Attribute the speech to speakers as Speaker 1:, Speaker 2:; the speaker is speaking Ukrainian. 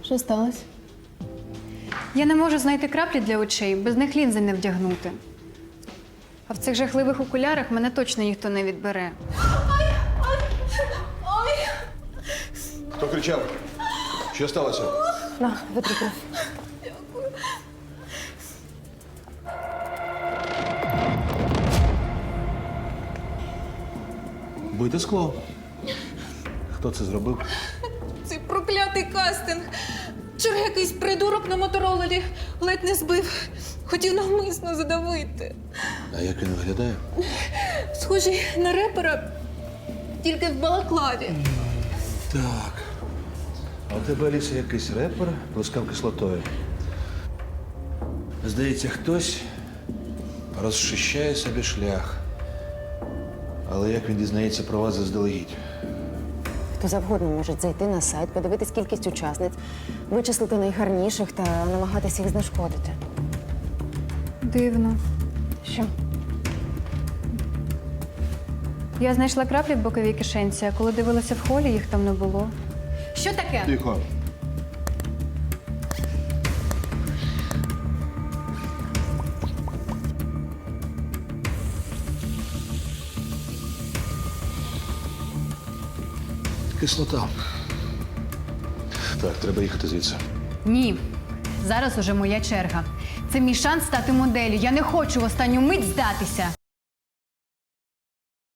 Speaker 1: Що сталося?
Speaker 2: Я не можу знайти краплі для очей, без них лінзи не вдягнути. А в цих жахливих окулярах мене точно ніхто не відбере.
Speaker 3: Хто кричав? Що сталося?
Speaker 1: На, витри кров.
Speaker 3: Бите скло. Хто це зробив?
Speaker 4: Цей проклятий кастинг. Вчора якийсь придурок на моторолері ледь не збив. Хотів навмисно задавити.
Speaker 3: А як він виглядає?
Speaker 4: Схожий на репера, тільки в балаклаві.
Speaker 3: Так. А у тебе, Аліса, якийсь репер плескав кислотою. Здається, хтось розчищає собі шлях. Але як він дізнається про вас заздалегідь?
Speaker 1: Хто завгодно може зайти на сайт, подивитись кількість учасниць, вичислити найгарніших та намагатися їх знешкодити.
Speaker 2: Дивно.
Speaker 1: Що?
Speaker 2: Я знайшла краплі в боковій кишенці, а коли дивилася в холі, їх там не було. Що таке?
Speaker 3: Тихо. Кислота. Так, треба їхати звідси.
Speaker 2: Ні. Зараз уже моя черга. Це мій шанс стати моделлю. Я не хочу в останню мить здатися.